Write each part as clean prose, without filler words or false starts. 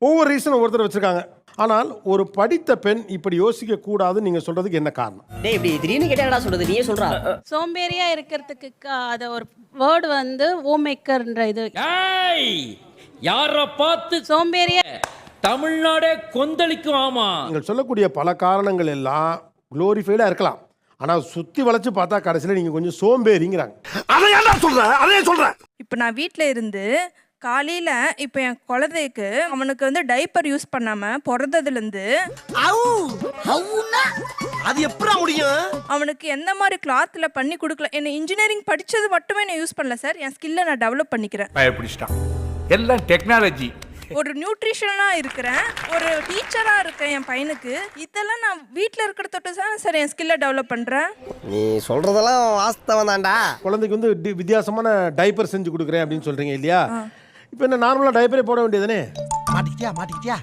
ஒவ்வொரு ரீசன் ஒவ்வொருத்தர் வச்சிருக்காங்க. ஆனால் ஒரு படித்த பெண் இப்படி யோசிக்க கூடாதுன்னு நீங்க சொல்றதுக்கு என்ன காரணம்? டேய் இப்படி திடீர்னு கேட்டா சொல்றது நீயே சொல்றா. சோம்பேறியா இருக்கிறதுக்கு அத ஒரு வேர்டு வந்து ஹோம் மேக்கர்ன்ற இது. ஏய் யார பார்த்து சோம்பேறியா தமிழ்நாடே கொந்தளிக்கும். ஆமா, நீங்கள் சொல்லக்கூடிய பல காரணங்கள் எல்லாம் குளோரிஃபைடா இருக்கலாம். ஆனா சுத்தி வளைச்சு பார்த்தா கடைசியில நீங்க கொஞ்சம் சோம்பேறிங்கிறாங்க. அதை ஏன்டா சொல்ற? அதே சொல்றேன். இப்போ நான் வீட்டில் இருந்து காலையில் இப்போ என் குழந்தைக்கு அவனுக்கு வந்து டைப்பர் யூஸ் பண்ணாமல் பிறந்ததுலேருந்து அது எப்படா முடியும்? அவனுக்கு எந்த மாதிரி கிளாத்தில் பண்ணி கொடுக்கல. என்ன இன்ஜினியரிங் படித்தது மட்டுமே நான் யூஸ் பண்ணல சார், என் ஸ்கில்லை நான் டெவலப் பண்ணிக்கிறேன். பயப்பிடிச்சிட்டான். எல்லாம் டெக்னாலஜி. ஒரு நியூட்ரிஷனாக இருக்கிறேன், ஒரு டீச்சராக இருக்கேன் என் பையனுக்கு. இதெல்லாம் நான் வீட்டில் இருக்கிற தொட்டு சார் என் ஸ்கில்லை டெவலப் பண்ணுறேன். நீ சொல்றதெல்லாம் வாஸ்தவம் தான்டா. குழந்தைக்கு வந்து வித்தியாசமான டைப்பர் செஞ்சு கொடுக்குறேன் அப்படின்னு சொல்றீங்க இல்லையா? இப்போ என்ன நார்மலா டைப்பரே போட வேண்டியதுதானே? மாட்டிக்கிட்டியா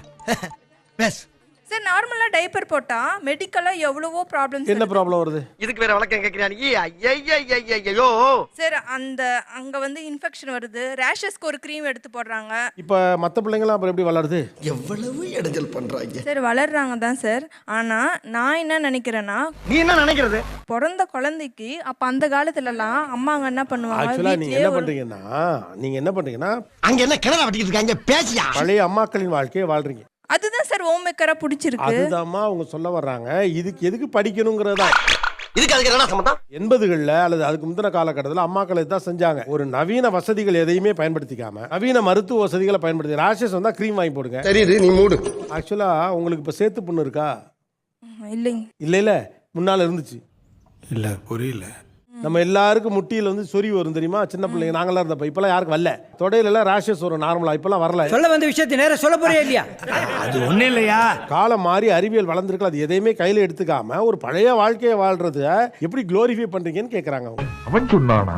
பேஸ். சார் நார்மலாக டைப்பர் போட்டால் மெடிக்கலாக எவ்வளவோ ப்ராப்ளம்ஸ். என்ன ப்ராப்ளம் வருது? இதுக்கு வேற வழக்கம் கேட்கிறீங்க. ஐயோ சார் அங்கே வந்து இன்ஃபெக்ஷன் வருது, ரேஷஸ்க்கு ஒரு க்ரீம் எடுத்து போடுறாங்க. இப்போ மற்ற பிள்ளைங்களாம் அப்புறம் எப்படி வளருது? எவ்வளவு இடைஞ்சல் பண்றாங்க சார் வளர்றாங்க தான் சார். ஆனால் நான் என்ன நினைக்கிறேன்னா, நீ என்ன நினைக்கிறது? பிறந்த குழந்தைக்கு அப்போ அந்த காலத்துலலாம் அம்மாங்க என்ன பண்ணுவாங்க, ஆக்சுவலா நீங்க வீட்லயே என்ன பண்றீங்கன்னா அங்க என்ன கிணறு வெட்டிட்டு இருக்காங்க? பேசியா? பழைய அம்மாக்களின் வாழ்க்கையை வாழ்றீங்க. அதுதான் சார் ஹோம் மேக்கரா பிடிச்சிருக்கு. அதுதான்மா அவங்க சொல்ல வர்றாங்க. இதுக்கு எதுக்கு படிக்கணுங்கிறதா? இதுக்கு அதுக்கு என்ன சம்பந்தம்? 80களில் அல்லது அதுக்கு முந்தின காலகட்டத்தில் அம்மாக்கள் இதான் செஞ்சாங்க. ஒரு நவீன வசதிகள் எதையுமே பயன்படுத்திக்காம நவீன மருத்துவ வசதிகளை பயன்படுத்தி ராஷஸ் வந்தா க்ரீம் வாங்கி போடுங்க. தெரியுது, நீ மூடு. ஆக்சுவலா உங்களுக்கு இப்போ சேத்து புண்ணு இருக்கா? இல்லைங்க. இல்ல முன்னால இருந்துச்சு. இல்ல புரியல. நம்ம எல்லாருக்கும் முட்டியில் வந்து சொறி வரும் தெரியுமா? சின்ன பிள்ளைங்க நாங்களாம் இருந்தப்ப. இப்பெல்லாம் யாருக்கு வரல. தொடையில எல்லாம் ராஷஸ் வரும் நார்மலா. இப்பெல்லாம் வரல. சொல்ல வந்த விஷயத்தை நேரம் சொல்ல போறியா இல்லையா? அது ஒண்ணு இல்லையா? காலம் மாறி அறிவியல் வளர்ந்துருக்கலாம். அது எதையுமே கையில எடுத்துக்காம ஒரு பழைய வாழ்க்கையை வாழ்றது எப்படி குளோரிஃபை பண்றீங்கன்னு கேட்கறாங்க அவங்க. அவன் சொன்னானா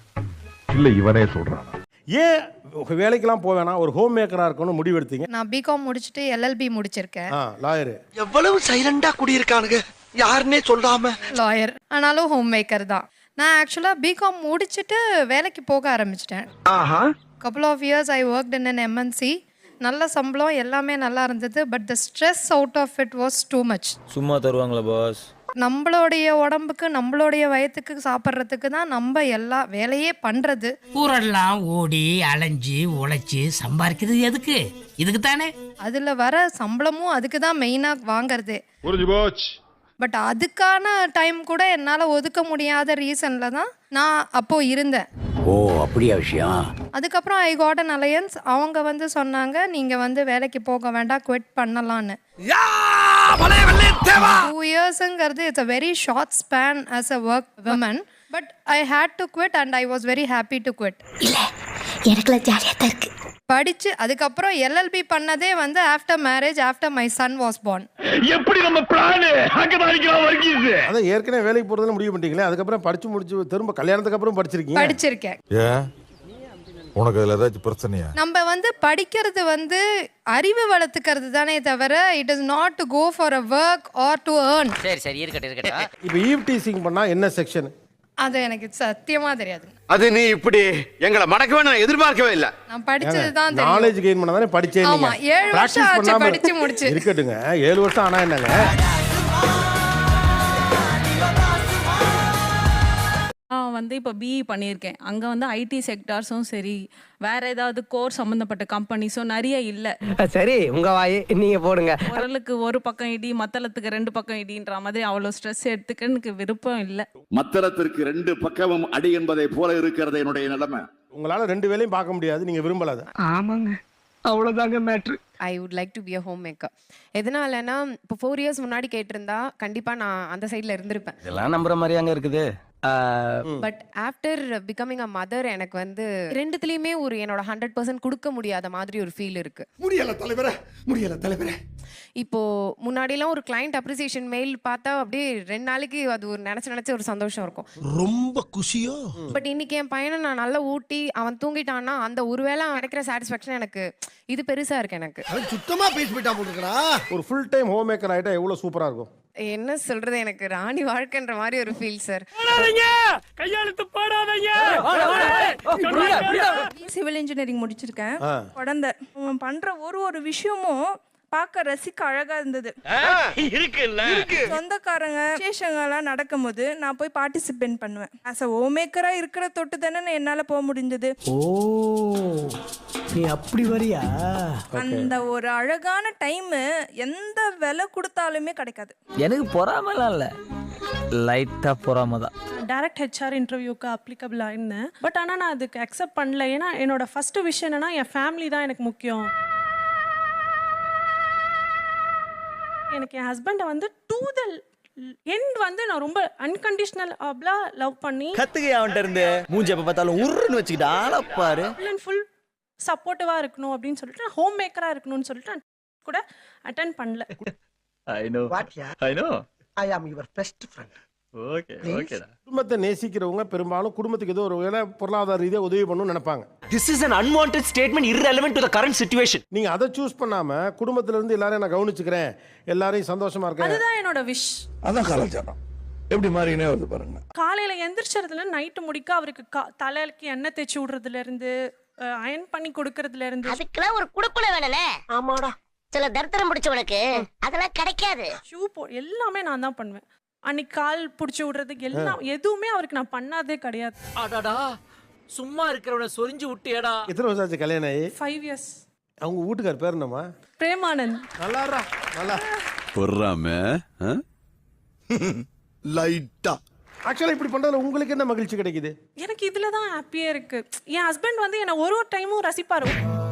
இல்ல இவனே சொல்றானா? ஏன் வேலைக்கெல்லாம் போவேனா, ஒரு ஹோம் மேக்கரா இருக்கணும் முடிவு எடுத்தீங்க? நான் பிகாம் முடிச்சுட்டு எல்எல்பி முடிச்சிருக்கேன். லாயர். எவ்வளவு சைலண்டா குடியிருக்கானுங்க, யாருன்னே சொல்லாம. லாயர் ஆனாலும் ஹோம் மேக்கர் தான். நான் ஆக்சுவலாக பிகாம் முடிச்சுட்டு வேலைக்கு போக ஆரம்பிச்சிட்டேன். couple of years I worked in an MNC. நல்ல சம்பளம் எல்லாமே நல்லா இருந்தது. But the stress out of it was too much. சும்மா தருவாங்களா பாஸ்? நம்மளுடைய உடம்புக்கு நம்மளுடைய வயத்துக்கு சாப்பிட்றதுக்கு தான் நம்ம எல்லா வேலையே பண்ணுறது. ஊரெல்லாம் ஓடி அலைஞ்சு உழைச்சி சம்பாதிக்கிறது எதுக்கு? இதுக்கு தானே. அதில் வர சம்பளமும் அதுக்கு தான் மெயினாக வாங்கிறதே. பட் அதுக்கான டைம் கூட என்னால் ஒதுக்க முடியாத ரீசனில் தான் நான் அப்போது இருந்தேன். ஓ அப்படியா விஷயம்? அதுக்கப்புறம் ஐ காட் அன் அலையன்ஸ். அவங்க வந்து சொன்னாங்க நீங்கள் வந்து வேலைக்கு போக வேண்டாம், குவிட் பண்ணலான்னு. 2 yearsங்கிறது it's a very short span as a work women. But I hate to quit and I was very happy to quit. இல்லை எனக்குலாம் ஜாலியாக தான் இருக்கு. படிச்சு அதுக்கப்புறம் எல்எல்பி பண்ணதே வந்து after marriage, after my son was born. எப்படி நம்ம பிளான் அங்கதான் வர்க்கீஸ். அதான் ஏற்கனவே வேலைக்கு போறதுன்னு முடிவு பண்ணிட்டீங்களே, அதுக்கப்புறம் படிச்சு முடிச்சு திரும்ப கல்யாணத்துக்கு அப்புறம் படிச்சிருக்கேன். உனக்கு அதுல ஏதாச்சும் பிரச்சனையா? நம்ம வந்து படிக்கிறது வந்து அறிவு வளர்த்துக்கிறது தானே தவிர it is not to go for a work or to earn. சரி இருக்கட்டும். இப்போ ஈவ் டீசிங் பண்ணா என்ன செக்ஷன்? அது எனக்கு சத்தியமா தெரியாது. அது நீ இப்படி எங்களை மடக்கவே நான் எதிர்பார்க்கவே இல்ல. நான் படிச்சது தான் தெரியும். நாலேஜ் கெயின் பண்ணா தானே படிச்சேன். ஆமா 7 வருஷம் ஆச்சு படிச்சு முடிச்சு. இருக்கட்டுங்க 7 வருஷம் ஆனா என்னங்க? வந்து இப்போ பிஇ பண்ணியிருக்கேன். அங்கே வந்து ஐடி செக்டார்ஸும் சரி, வேற ஏதாவது கோர் சம்மந்தப்பட்ட கம்பெனிஸும் நிறைய இல்லை. சரி உங்க வாய் நீங்க போடுங்க. குரலுக்கு ஒரு பக்கம் இடி, மத்தளத்துக்கு 2 பக்கம் இடின்ற மாதிரி அவ்வளோ ஸ்ட்ரெஸ் எடுத்துக்க எனக்கு விருப்பம் இல்லை. மத்தளத்திற்கு 2 பக்கமும் அடி என்பதை போல இருக்கிறது என்னுடைய நிலைமை. உங்களால 2 வேலையும் பார்க்க முடியாது, நீங்க விரும்பலாத. ஆமாங்க, அவ்வளோதாங்க matter. I would like to be a homemaker. எதனாலனா இப்போ 4 years முன்னாடி கேட்டிருந்தா கண்டிப்பா நான் அந்த சைடில் இருந்திருப்பேன். இதெல்லாம் நம்புற மாதிரியாங்க இருக்குது. But after becoming a mother எனக்கு வந்து ரெண்டுத்துலேயுமே ஒரு என்னோட 100% கொடுக்க முடியாத மாதிரி ஒரு ஃபீல் இருக்கு. முடியல தலைவரே. இப்போ முன்னாடிலாம் ஒரு கிளைண்ட் அப்ரிசியேஷன் மெயில் பார்த்தா அப்படியே 2 நாளைக்கு அது ஒரு நினைச்ச ஒரு சந்தோஷம் இருக்கும். ரொம்ப குஷியோ. பட் இன்னைக்கு என் பையனை நான் நல்லா ஊட்டி அவன் தூங்கிட்டான்னா அந்த ஒருவேளை கிடைக்கிற சாட்டிஸ்ஃபேக்ஷன் எனக்கு இது பெருசா இருக்கு. எனக்கு சுத்தமா பேசி போயிட்டா போட்டுக்கடா. ஒரு ஃபுல் டைம் ஹோம் மேக்கர் ஆயிட்டா எவ்வளவு சூப்பரா இருக்கும். என்ன சொல்றது, எனக்கு ராணி வாழ்க்கைன்ற மாதிரி ஒரு ஃபீல் சார். கையெழுத்து போடாதீங்க. சிவில் இன்ஜினியரிங் முடிச்சிருக்கேன். குழந்தை அவன் பண்ற ஒரு விஷயமும் பார்க்க ரசிக்க அழகா இருந்தது. சொந்தக்காரங்க விசேஷங்கள்லாம் நடக்கும்போது நான் போய் பார்ட்டிசிபேட் பண்ணுவேன். ஆஸ் அ ஹோம்மேக்கரா இருக்கிற தொட்டு தானே என்னால போக முடிஞ்சது. ஓ நீ அப்படி வரியா? அந்த ஒரு அழகான டைம் எந்த விலை கொடுத்தாலுமே கிடைக்காது. எனக்கு பொறாமலாம் இல்ல, லைட்டா பொறாம தான். டைரக்ட் ஹெச்ஆர் இன்டர்வியூக்கு அப்ளிகபிள் ஆயிருந்தேன். பட் ஆனால் நான் அதுக்கு அக்செப்ட் பண்ணல. ஏன்னா என்னோட ஃபர்ஸ்ட் விஷயம் என்னன்னா என் ஃபேமிலி தான் எனக்கு முக்கியம். எனக்கு என் ஹஸ்பண்டை வந்து டு த எண்ட் வந்து நான் ரொம்ப அன்கண்டிஷனல் லவ் பண்ணி கத்துக்க அவன்கிட்ட இருந்து மூஞ்சி எப்ப பார்த்தாலும் உருன்னு வச்சுக்கிட்டு ஆளப்பாரு. ஃபுல் சப்போர்ட்டிவா இருக்கணும் அப்படின்னு சொல்லிட்டு நான் ஹோம் மேக்கரா இருக்கணும்னு சொல்லிட்டு நான் கூட அட்டென்ட் பண்ணல. ஐ ஆம் யுவர் பெஸ்ட் ஃப்ரெண்ட். குடும்பத்தை நேசிக்கிறவங்க பெரும்பாலும் குடும்பத்துக்கு ஏதோ ஒரு வேலை பொருளாதார ரீதியாக உதவி பண்ணணும்னு நினைப்பாங்க. This is an unwanted statement irrelevant to the current situation. நீங்க அதை சூஸ் பண்ணாம குடும்பத்துல இருந்து எல்லாரையும் நான் கவனிச்சுக்கிறேன், எல்லாரையும் சந்தோஷமா இருக்கேன். அதுதான் என்னோட விஷ். அதான் கலாச்சாரம் எப்படி மாறினே வருது பாருங்க. காலையில எந்திரிச்சதுல நைட்டு முடிக்க அவருக்கு தலைக்கு எண்ணெய் தேய்ச்சி விடுறதுல இருந்து அயன் பண்ணி கொடுக்கறதுல இருந்து. அதுக்கெல்லாம் ஒரு குடுக்குல வேணும்ல. ஆமாடா, சில தரித்திரம் பிடிச்சவனுக்கு அதெல்லாம் கிடைக்காது. ஷூ எல்லாமே நான் தான் பண்ணுவேன். அன்னைக்கு கால் பிடிச்சி விடுறதுக்கு எல்லாம் எதுவுமே அவருக்கு நான் பண்ணாதே கிடையாது. அடடா, சும்மா இருக்கிறவனை சொரிஞ்சு விட்டியடா. எத்தனை வருஷம் ஆச்சு கல்யாணம் ஆகி? 5 years. அவங்க வீட்டுக்கார் பேர் என்னம்மா? பிரேமானந்த். நல்லாரா நல்லா பொறாம லைட்டா. ஆக்சுவலா இப்படி பண்றதுல உங்களுக்கு என்ன மகிழ்ச்சி கிடைக்குது? எனக்கு இதுல தான் ஹாப்பியா இருக்கு. என் ஹஸ்பண்ட் வந்து என்ன ஒரு டைமும் ரசிப்பாரு.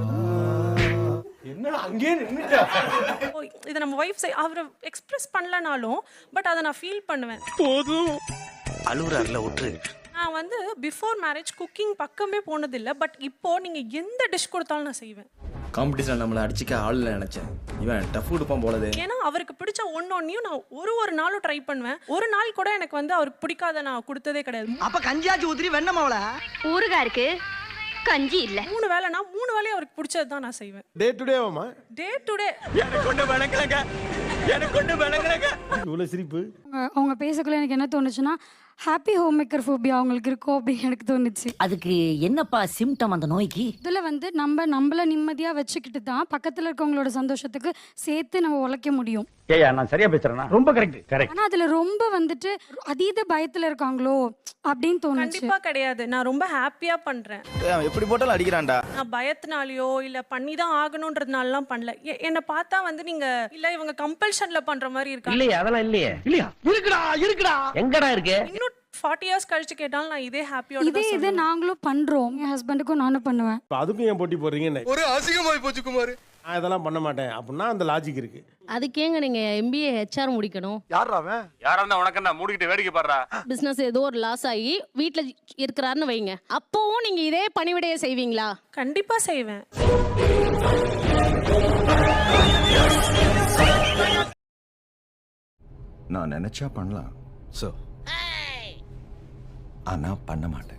என்ன அங்கேயே நின்னுட்டா? இதை நம்ம வைஃப் அவரை எக்ஸ்பிரஸ் பண்ணலனாலும் பட் அதை நான் ஃபீல் பண்ணுவேன். போதும் அழுகுறாருல விட்டுரு. நான் வந்து பிஃபோர் மேரேஜ் குக்கிங் பக்கமே போனதில்லை. பட் இப்போ நீங்க எந்த டிஷ் கொடுத்தாலும் நான் செய்வேன். காம்படிஷன் நம்மள அடிச்சுக்க ஆள் நினைச்சேன், இவன் டஃப் கொடுப்பான் போலது. ஏன்னா அவருக்கு பிடிச்ச ஒன்னொன்னையும் நான் ஒரு நாளும் ட்ரை பண்ணுவேன். ஒரு நாள் கூட எனக்கு வந்து அவருக்கு பிடிக்காத நான் கொடுத்ததே கிடையாது. அப்ப கஞ்சியாச்சு ஊத்திரி வெண்ணமாவல ஊறுகாய் இருக்கு, கஞ்சி இல்ல. 3 வேளைனா 3 வேளையும் அவருக்கு பிடிச்சது தான் நான் செய்வேன். டே டு டேவாமா? Day to day. எனக்கு கொண்டு வணங்கலங்க, எனக்கு கொண்டு வணங்கலங்க. இவ்வளவு சிரிப்பு. அவங்க பேசக்குள்ள எனக்கு என்ன தோணுச்சுன்னா, ஹாப்பி ஹோம் மேக்கர் ஃபோபியா அவங்களுக்கு இருக்கும் அப்படின்னு எனக்கு தோணுச்சு. அதுக்கு என்னப்பா சிம்டம் அந்த நோய்க்கு? இதில் வந்து நம்மள நிம்மதியாக வச்சுக்கிட்டு தான் பக்கத்தில் இருக்கவங்களோட சந்தோஷத்துக்கு சேர்த்து நம்ம உழைக்க முடியும். ஏயா நான் சரியா பேசுறேனா? ரொம்ப கரெக்ட். ஆனால் அதில் ரொம்ப வந்துட்டு அதீத பயத்தில் இருக்காங்களோ அப்படின்னு தோணுச்சு. கண்டிப்பா கிடையாது. நான் ரொம்ப ஹாப்பியா பண்றேன். எப்படி போட்டாலும் அடிக்கிறான்டா. நான் பயத்தினாலயோ இல்ல பண்ணி தான் ஆகணும்ன்றதுனாலலாம் பண்ணல. என்ன பார்த்தா வந்து நீங்க இல்ல இவங்க கம்பல்ஷன்ல பண்ற மாதிரி இருக்காங்க. இல்லையா, அதெல்லாம் இல்லையே. இல்லையா, இருக்குடா எங்கடா இருக்கு? இன்னும் 40 years கழிச்சு கேட்டாலும் நான் இதே ஹாப்பியோட தான் இதே நாங்களும் பண்றோம். என் ஹஸ்பண்டுக்கும் நானும் பண்ணுவேன். அதுக்கும் ஏன் போட்டி போடுறீங்க? ஒரு அசிங்கமாய் போச்சு குமார். நான் இதெல்லாம் பண்ண மாட்டேன் அப்படின்னா அந்த லாஜிக் இருக்கு. அதுக்கேங்க நீங்க MBA HR முடிக்கணும். யாரா அவன்? யாரா இருந்தா உனக்கு என்ன மூடிக்கிட்டு வேடிக்கை பாடுறா? பிசினஸ் ஏதோ ஒரு லாஸ் ஆகி வீட்ல இருக்கிறாருன்னு வைங்க, அப்பவும் நீங்க இதே பணிவிடையை செய்வீங்களா? கண்டிப்பா செய்வேன். நான் நினைச்சா பண்ணலாம், ஆனா பண்ண மாட்டேன்.